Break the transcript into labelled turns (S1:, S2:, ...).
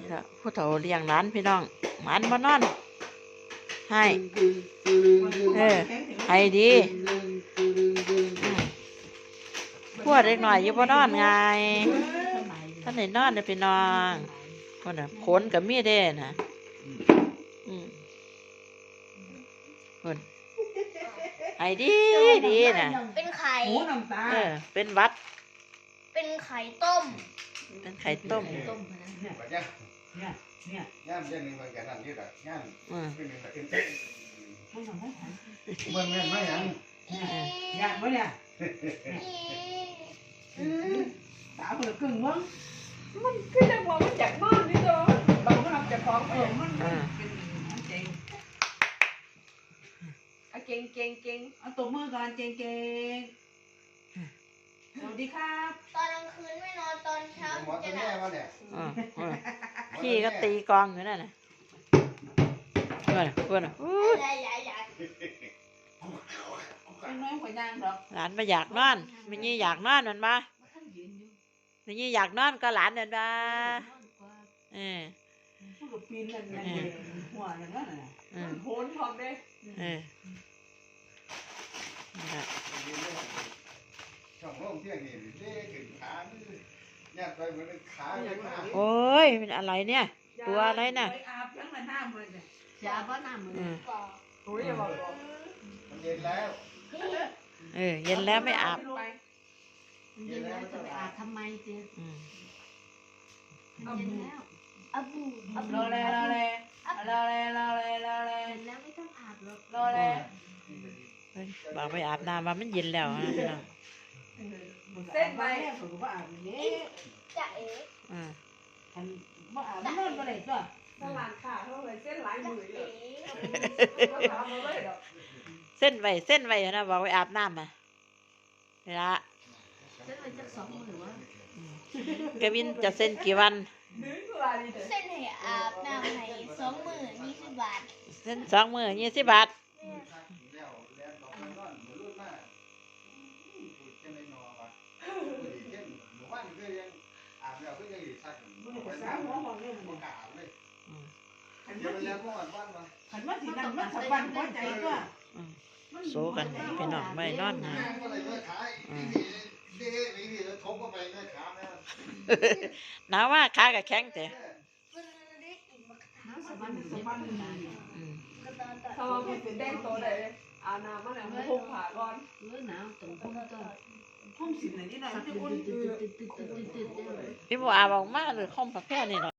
S1: ผู้เฒ่าเลี้ยงร้านพี่น้องหมานมานอนให้ให้ดีพวดเล็กหน่อยอยู่บ่นอนไงท่านไหนนอนเนี่ยพี่น้องคนน่ะขนกับมีดเด้น่ะคนให้ดีดีน่ะ
S2: เป็นไข่
S1: เป็นวัด
S2: เป็นไข่ต้ม
S1: เป็นไข่ต้ม
S3: ย่ามเรื่องนึงมันกันนั่นนี่แหละย่ามเป็นหนึ่งแต่เป็นเต้นมันแม่นไหมยัง
S4: ย่างวะเนี่ยตาเปิดกึ่งมั้งมันคือจะมองมันจากบ้านนี่ตัวเราก็ทำจากของมันเป็นเจ๋งเก่งเอาตัวมือก่อนเก่งสวัสดีครับ
S2: ตอนกลางคืนไม่นอนตอนเช้าจะหลับ
S1: พี่ก็ตีกองอยู่นั่นน่ะเพื่อน
S4: เป็นน้อยกว่าย่างหรอก
S1: หลานมาอยากนอนไม่ยี่อยากนอนมันมาไม่ยี่อยากนอนก็หลานเดินมา
S4: พูดกับปีนกันหัวอย่างนั้นน่ะโหนพร้อมเลย
S3: ช่องโล่งเที่ยงนี่เด้ขึ้นขาย่ามไปเหมือนขาเลยนะ
S1: โอ้ยเป็นอะไรเนี่ยตัวอะไรน่ะ
S4: อาบยังมันน้ำเลย
S2: ยาบ้าน้ำมือ
S4: โอ้ยอย่าบอก
S3: มันเย็นแล้ว
S1: เย็นแล้วไม่อาบ
S2: เย็นแล้วจะไปอาบทำไมเจ๊เย็นแล้ว
S4: รอเลย
S2: แล้วไม่ต้องอาบหรอก
S4: รอเลย
S1: บอกไปอาบน้ำว่ามันเย็นแล้วนะพี่น้อง
S4: เส้นไปผมก็อาบอย่างนี้
S2: จะเอ๋
S4: ฉันว่าอาบนอนมาเลยจ้ะ
S1: เส้นไว้เส้นไว้นะบอกไปอาบน้ำมาเวลา
S2: เส้นไว้จะ2 มื้อวะ
S1: กวินจะเส้นกี่วัน
S2: เส้นให้อาบน้ำให้2 มื้อ20 บาท
S1: เส้น2 มื้อ20 บาท
S4: ขันว่าสีนั่นมันสบายหัวใจก็
S1: โซกันพี่น้องไม่นอนนะหนาวว่าขากับแข็งแต่
S4: ถ้าว่าเป็นแดงโตเลยอาน้ำมาแล้วมันพุ่งผ่าก่อน
S2: หนาวตรงพุ่งต้น
S4: พุ่งสิไหนนี่หน่อยจะอุ่น
S1: พี่บัวอาบอกมากเลยข้อมประเภทนี่หรอ